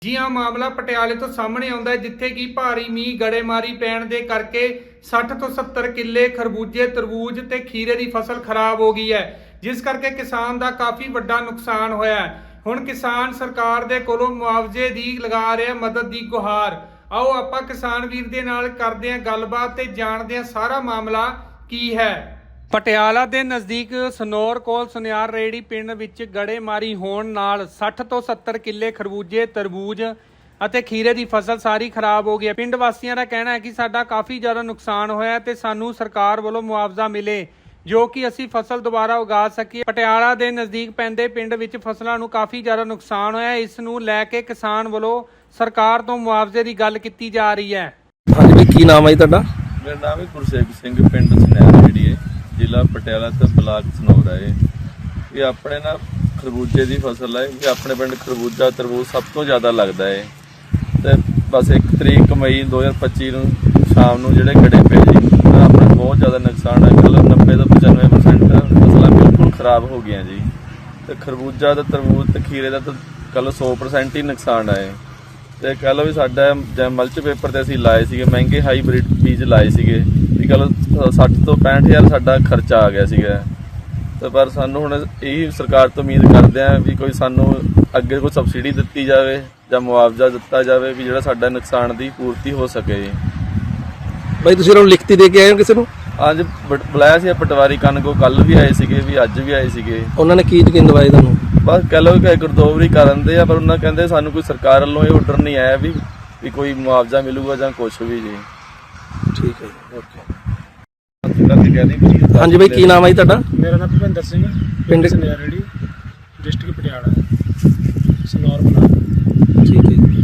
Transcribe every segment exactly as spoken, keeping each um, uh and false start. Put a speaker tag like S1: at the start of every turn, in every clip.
S1: ਜੀ ਹਾਂ, ਮਾਮਲਾ ਪਟਿਆਲੇ ਤੋਂ ਸਾਹਮਣੇ ਆਉਂਦਾ ਹੈ, ਜਿੱਥੇ ਕਿ ਭਾਰੀ ਮੀਂਹ ਗੜੇਮਾਰੀ ਪੈਣ ਦੇ ਕਰਕੇ ਸੱਠ ਤੋਂ ਸੱਤਰ ਕਿੱਲੇ ਖਰਬੂਜੇ, ਤਰਬੂਜ ਤੇ ਖੀਰੇ ਦੀ ਫਸਲ ਖਰਾਬ ਹੋ ਗਈ ਹੈ, ਜਿਸ ਕਰਕੇ ਕਿਸਾਨ ਦਾ ਕਾਫੀ ਵੱਡਾ ਨੁਕਸਾਨ ਹੋਇਆ ਹੈ। ਹੁਣ ਕਿਸਾਨ ਸਰਕਾਰ ਦੇ ਕੋਲੋਂ ਮੁਆਵਜ਼ੇ ਦੀ ਲਗਾ ਰਿਹਾ ਮਦਦ ਦੀ ਗੁਹਾਰ। ਆਓ ਆਪਾਂ ਕਿਸਾਨ ਵੀਰ ਦੇ ਨਾਲ ਕਰਦੇ ਹਾਂ ਗੱਲਬਾਤ ਤੇ ਜਾਣਦੇ ਹਾਂ ਸਾਰਾ ਮਾਮਲਾ ਕੀ ਹੈ। ਪਟਿਆਲਾ ਦੇ ਨਜ਼ਦੀਕ ਸਨੌਰ ਕੋਲ ਸੁਨਿਆਰ ਰੇੜੀ ਪਿੰਡ ਵਿੱਚ ਗੜੇਮਾਰੀ ਹੋਣ ਨਾਲ ਸੱਠ ਤੋਂ ਸੱਤਰ ਕਿੱਲੇ ਖਰਬੂਜੇ, ਤਰਬੂਜ ਅਤੇ ਖੀਰੇ ਦੀ ਫਸਲ ਸਾਰੀ ਖਰਾਬ ਹੋ ਗਈ। ਪਿੰਡ ਵਾਸੀਆਂ ਦਾ ਕਹਿਣਾ ਹੈ ਕਿ ਸਾਡਾ ਕਾਫੀ ਜ਼ਿਆਦਾ ਨੁਕਸਾਨ ਹੋਇਆ ਤੇ ਸਾਨੂੰ ਸਰਕਾਰ ਵੱਲੋਂ ਮੁਆਵਜ਼ਾ ਮਿਲੇ ਜੋ ਕਿ ਅਸੀਂ ਫਸਲ ਦੁਬਾਰਾ ਉਗਾ ਸਕੀਏ। ਪਟਿਆਲਾ ਦੇ ਨਜ਼ਦੀਕ ਪੈਂਦੇ ਪਿੰਡ ਵਿੱਚ ਫਸਲਾਂ ਨੂੰ ਕਾਫੀ ਜ਼ਿਆਦਾ ਨੁਕਸਾਨ ਹੋਇਆ। ਇਸ ਨੂੰ ਲੈ ਕੇ ਕਿਸਾਨ ਵੱਲੋਂ ਸਰਕਾਰ ਤੋਂ ਮੁਆਵਜ਼ੇ ਦੀ ਗੱਲ ਕੀਤੀ ਜਾ ਰਹੀ ਹੈ।
S2: ਹਾਂਜੀ ਵੀ ਕੀ ਨਾਮ ਹੈ ਜੀ ਤੁਹਾਡਾ?
S3: ਮੇਰਾ ਨਾਮ ਹੈ ਗੁਰਸੇਵਕ ਸਿੰਘ, ਪਿੰਡ ਸੁਨਿਆਰ ਰੇੜੀ ਹੈ, ਜ਼ਿਲ੍ਹਾ ਪਟਿਆਲਾ ਤੇ ਬਲਾਕ ਸਨੌਰ ਹੈ। ਇਹ ਆਪਣੇ ਨਾ ਖਰਬੂਜੇ ਦੀ ਫਸਲ ਹੈ। ਇਹ ਆਪਣੇ ਪਿੰਡ ਖਰਬੂਜਾ, ਤਰਬੂਜ ਸਭ ਤੋਂ ਜ਼ਿਆਦਾ ਲੱਗਦਾ ਹੈ ਤੇ ਬਸ ਇੱਕ ਤਰੀਕ ਮਈ ਦੋ ਹਜ਼ਾਰ ਪੱਚੀ ਨੂੰ ਸ਼ਾਮ ਨੂੰ ਜਿਹੜੇ ਗੜੇ ਪਏ ਜੀ, ਆਪਣਾ ਬਹੁਤ ਜ਼ਿਆਦਾ ਨੁਕਸਾਨ ਹੈ। ਕੱਲ ਨੱਬੇ ਤੋਂ ਪਚਾਨਵੇਂ ਪਰਸੈਂਟ ਫਸਲਾਂ ਬਿਲਕੁਲ ਖਰਾਬ ਹੋ ਗਈਆਂ ਜੀ ਤੇ ਖਰਬੂਜਾ ਤੇ ਤਰਬੂਜ ਤੇ ਖੀਰੇ ਦਾ ਤਾਂ ਕੱਲ ਸੌ ਪਰਸੈਂਟ ਹੀ ਨੁਕਸਾਨ ਹੈ। ਤੇ ਕਹਿ ਲਓ ਵੀ ਸਾਡਾ ਜਿਵੇਂ ਮਲਚ ਪੇਪਰ ਤੇ ਅਸੀਂ ਲਾਏ ਸੀਗੇ, ਮਹਿੰਗੇ ਹਾਈਬ੍ਰਿਡ ਬੀਜ ਲਾਏ ਸੀਗੇ, ਵੀ ਕੱਲ ਸੱਠ ਤੋਂ ਪੈਂਹਠ ਹਜ਼ਾਰ ਸਾਡਾ ਖਰਚਾ ਆ ਗਿਆ ਸੀਗਾ। ਤੇ ਪਰ ਸਾਨੂੰ ਹੁਣ ਇਹੀ ਸਰਕਾਰ ਤੋਂ ਉਮੀਦ ਕਰਦੇ ਹਾਂ ਵੀ ਕੋਈ ਸਾਨੂੰ ਅੱਗੇ ਕੋਈ ਸਬਸਿਡੀ ਦਿੱਤੀ ਜਾਵੇ ਜਾਂ ਮੁਆਵਜ਼ਾ ਦਿੱਤਾ ਜਾਵੇ ਵੀ ਜਿਹੜਾ ਸਾਡਾ ਨੁਕਸਾਨ ਦੀ ਪੂਰਤੀ ਹੋ ਸਕੇ।
S2: ਬਾਈ ਤੁਸੀਂ ਉਹਨਾਂ ਨੂੰ ਲਿਖਤੀ ਦੇ ਕੇ ਆਏ ਹੋ ਕਿਸੇ ਨੂੰ?
S3: ਅੱਜ ਬੁਲਾਇਆ ਸੀ ਪਟਵਾਰੀ ਕਨਗੋ, ਕੱਲ ਵੀ ਆਏ ਸੀਗੇ, ਵੀ ਅੱਜ ਵੀ ਆਏ ਸੀਗੇ।
S2: ਉਹਨਾਂ ਨੇ ਕੀ ਯਕੀਨ ਦਵਾਇਆ ਤੁਹਾਨੂੰ?
S3: ਬਸ ਕਹਿ ਲਓ ਕਿ ਗੁਰਦੋਵਰੀ ਕਰਨ ਦੇ ਆ, ਪਰ ਉਹਨਾਂ ਕਹਿੰਦੇ ਸਾਨੂੰ ਕੋਈ ਸਰਕਾਰ ਵੱਲੋਂ ਇਹ ਆਰਡਰ ਨਹੀਂ ਆਇਆ ਵੀ ਵੀ ਕੋਈ ਮੁਆਵਜ਼ਾ ਮਿਲੂਗਾ ਜਾਂ ਕੁਛ ਵੀ ਜੀ।
S2: ਠੀਕ ਹੈ ਜੀ, ਓਕੇ।
S3: ਹਾਂਜੀ
S2: ਬਾਈ ਕੀ ਨਾਮ ਹੈ ਜੀ ਤੁਹਾਡਾ?
S4: ਮੇਰਾ ਨਾਮ ਭੁਪਿੰਦਰ ਸਿੰਘ, ਪਿੰਡ ਸੁਨਿਆਰ ਰੇੜੀ, ਡਿਸਟ੍ਰਿਕਟ ਪਟਿਆਲਾ, ਸਨੌਰ ਬਲਾਕ।
S2: ਠੀਕ ਹੈ ਜੀ।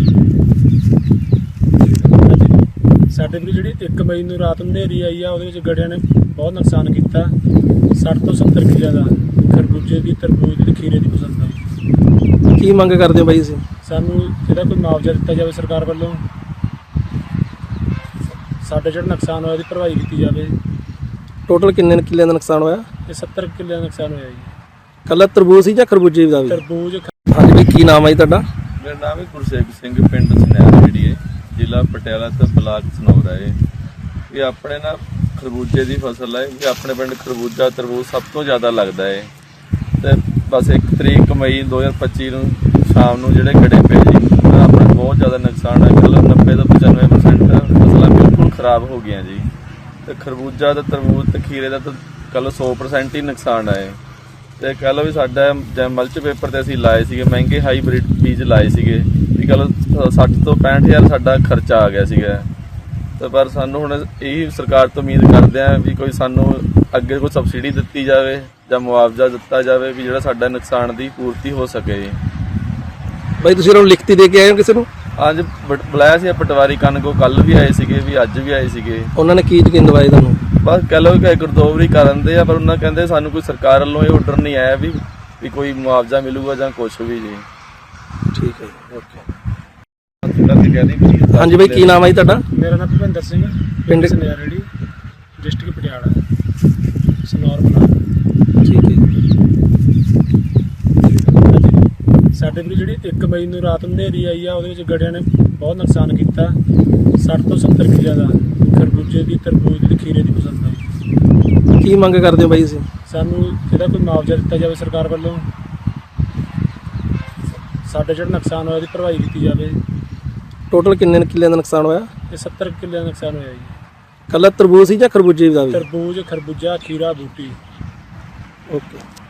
S4: ਸਾਡੇ ਕੋਲ ਜਿਹੜੀ ਇੱਕ ਮਈ ਨੂੰ ਰਾਤ ਨੂੰ ਹਨੇਰੀ ਆਈ ਆ, ਉਹਦੇ ਵਿੱਚ ਗੜਿਆਂ ਨੇ ਬਹੁਤ ਨੁਕਸਾਨ ਕੀਤਾ। ਸੱਠ ਤੋਂ ਸੱਤਰ ਕਿੱਲਿਆਂ ਦਾ ਖਰਬੂਜੇ ਦੀ, ਤਰਬੂਜ ਦੀ, ਖੀਰੇ ਦੀ ਫਸਲ ਦਾ।
S2: ਕੀ ਮੰਗ ਕਰਦੇ ਹੋ ਬਾਈ ਤੁਸੀਂ?
S4: ਸਾਨੂੰ ਇਹਦਾ ਕੋਈ ਮੁਆਵਜ਼ਾ ਦਿੱਤਾ ਜਾਵੇ ਸਰਕਾਰ ਵੱਲੋਂ। ਸਾਡਾ ਜਿਹੜਾ ਨੁਕਸਾਨ ਹੋਇਆ ਉਹਦੀ ਭਰਵਾਈ ਕੀਤੀ ਜਾਵੇ।
S2: ਟੋਟਲ ਕਿੰਨੇ ਕਿੱਲਿਆਂ ਦਾ ਨੁਕਸਾਨ ਹੋਇਆ?
S4: ਇਹ ਸੱਤਰ ਕਿੱਲਿਆਂ ਦਾ ਨੁਕਸਾਨ ਹੋਇਆ ਜੀ।
S2: ਕੱਲਾ ਤਰਬੂਜ ਸੀ ਜਾਂ ਖਰਬੂਜੇ ਦਾ ਵੀ?
S4: ਤਰਬੂਜ।
S2: ਹਾਂਜੀ ਬਾਈ ਕੀ ਨਾਮ ਹੈ ਜੀ ਤੁਹਾਡਾ?
S3: ਮੇਰਾ ਨਾਮ ਹੈ ਗੁਰਸੇਵਕ ਸਿੰਘ, ਪਿੰਡ ਸੁਨਿਆਰ ਰੇੜੀ ਹੈ, ਜ਼ਿਲ੍ਹਾ ਪਟਿਆਲਾ ਤੇ ਬਲਾਕ ਸਨੌਰ ਹੈ। ਇਹ ਆਪਣੇ ਨਾ ਖਰਬੂਜੇ ਦੀ ਫਸਲ ਹੈ। ਇਹ ਆਪਣੇ ਪਿੰਡ ਖਰਬੂਜਾ, ਤਰਬੂਜ ਸਭ ਤੋਂ ਜ਼ਿਆਦਾ ਲੱਗਦਾ ਹੈ ਤੇ ਬਸ ਇੱਕ ਤਰੀਕ ਮਈ ਦੋ ਹਜ਼ਾਰ ਪੱਚੀ ਨੂੰ ਸ਼ਾਮ ਨੂੰ ਜਿਹੜੇ ਗੜੇ ਪਏ ਜੀ, ਆਪਣਾ ਬਹੁਤ ਜ਼ਿਆਦਾ ਨੁਕਸਾਨ ਹੈ। ਕੱਲ ਨੱਬੇ ਤੋਂ ਪਚਾਨਵੇਂ ਪਰਸੈਂਟ ਫਸਲਾਂ ਬਿਲਕੁਲ ਖਰਾਬ ਹੋ ਗਈਆਂ ਜੀ ਤੇ ਖਰਬੂਜਾ ਤੇ ਤਰਬੂਜ ਤੇ ਖੀਰੇ ਦਾ ਤਾਂ ਕੱਲ ਸੌ ਪਰਸੈਂਟ ਹੀ ਨੁਕਸਾਨ ਹੈ। ਤੇ ਕਹਿ ਲਓ ਵੀ ਸਾਡਾ ਜਿਵੇਂ ਮਲਚ ਪੇਪਰ ਤੇ ਅਸੀਂ ਲਾਏ ਸੀਗੇ, ਮਹਿੰਗੇ ਹਾਈਬ੍ਰਿਡ ਬੀਜ ਲਾਏ ਸੀਗੇ, ਵੀ ਕੱਲ ਸੱਠ ਤੋਂ ਪੈਂਹਠ ਹਜ਼ਾਰ ਸਾਡਾ ਖਰਚਾ ਆ ਗਿਆ ਸੀਗਾ। ਤੇ ਪਰ ਸਾਨੂੰ ਹੁਣ ਇਹੀ ਸਰਕਾਰ ਤੋਂ ਉਮੀਦ ਕਰਦੇ ਹਾਂ ਵੀ ਕੋਈ ਸਾਨੂੰ ਅੱਗੇ ਕੋਈ ਸਬਸਿਡੀ ਦਿੱਤੀ ਜਾਵੇ ਜਾਂ ਮੁਆਵਜ਼ਾ ਦਿੱਤਾ ਜਾਵੇ ਵੀ ਜਿਹੜਾ ਸਾਡਾ ਨੁਕਸਾਨ ਦੀ ਪੂਰਤੀ ਹੋ ਸਕੇ।
S2: ਬਾਈ ਤੁਸੀਂ ਉਹਨਾਂ ਨੂੰ ਲਿਖਤੀ ਦੇ ਕੇ ਆਏ ਹੋ ਕਿਸੇ ਨੂੰ?
S3: ਅੱਜ ਬੁਲਾਇਆ ਸੀ ਪਟਵਾਰੀ ਕਨਗੋ, ਕੱਲ ਵੀ ਆਏ ਸੀਗੇ, ਵੀ ਅੱਜ ਵੀ ਆਏ ਸੀਗੇ।
S2: ਉਹਨਾਂ ਨੇ ਕੀ ਯਕੀਨ ਦਵਾਇਆ ਤੁਹਾਨੂੰ?
S3: ਬਸ ਕਹਿ ਲਓ ਕਿ ਗੁਰਦੋਵਰੀ ਕਰਨ ਦੇ ਆ, ਪਰ ਉਹਨਾਂ ਕਹਿੰਦੇ ਸਾਨੂੰ ਕੋਈ ਸਰਕਾਰ ਵੱਲੋਂ ਇਹ ਆਰਡਰ ਨਹੀਂ ਆਇਆ ਵੀ ਵੀ ਕੋਈ ਮੁਆਵਜ਼ਾ ਮਿਲੂਗਾ ਜਾਂ ਕੁਛ ਵੀ ਜੀ।
S2: ਠੀਕ ਹੈ ਜੀ, ਓਕੇ। ਹਾਂਜੀ ਬਾਈ ਕੀ ਨਾਮ ਹੈ ਜੀ ਤੁਹਾਡਾ?
S4: ਮੇਰਾ ਨਾਮ ਭੁਪਿੰਦਰ ਸਿੰਘ, ਪਿੰਡ ਸੁਨਿਆਰ ਰੇੜੀ, ਡਿਸਟ੍ਰਿਕਟ ਪਟਿਆਲਾ, ਸਨੌਰ ਬਲਾਕ।
S2: ਠੀਕ ਹੈ ਜੀ।
S4: ਸਾਡੇ ਕੋਲ ਜਿਹੜੀ ਇੱਕ ਮਈ ਨੂੰ ਰਾਤ ਨੂੰ ਹਨੇਰੀ ਆਈ ਆ, ਉਹਦੇ ਵਿੱਚ ਗੜਿਆਂ ਨੇ ਬਹੁਤ ਨੁਕਸਾਨ ਕੀਤਾ। ਸੱਠ ਤੋਂ ਸੱਤਰ ਕਿੱਲਿਆਂ ਦਾ ਖਰਬੂਜੇ ਦੀ, ਤਰਬੂਜ ਦੀ, ਖੀਰੇ ਦੀ ਫਸਲ ਦਾ।
S2: ਕੀ ਮੰਗ ਕਰਦੇ ਹੋ ਬਾਈ ਤੁਸੀਂ? ਸਾਨੂੰ
S4: ਇਹਦਾ ਕੋਈ ਮੁਆਵਜ਼ਾ ਦਿੱਤਾ ਜਾਵੇ ਸਰਕਾਰ ਵੱਲੋਂ। ਸਾਡਾ ਜਿਹੜਾ ਨੁਕਸਾਨ ਹੋਇਆ ਉਹਦੀ ਭਰਵਾਈ ਕੀਤੀ ਜਾਵੇ।
S2: ਟੋਟਲ ਕਿੰਨੇ ਕਿੱਲਿਆਂ ਦਾ ਨੁਕਸਾਨ ਹੋਇਆ?
S4: ਇਹ ਸੱਤਰ ਕਿੱਲਿਆਂ ਦਾ ਨੁਕਸਾਨ ਹੋਇਆ ਜੀ।
S2: ਕੱਲਾ ਤਰਬੂਜ ਸੀ ਜਾਂ ਖਰਬੂਜੇ ਦਾ ਵੀ?
S4: ਤਰਬੂਜ, ਖਰਬੂਜਾ, ਖੀਰਾ, ਬੂਟੀ।
S2: ਓਕੇ।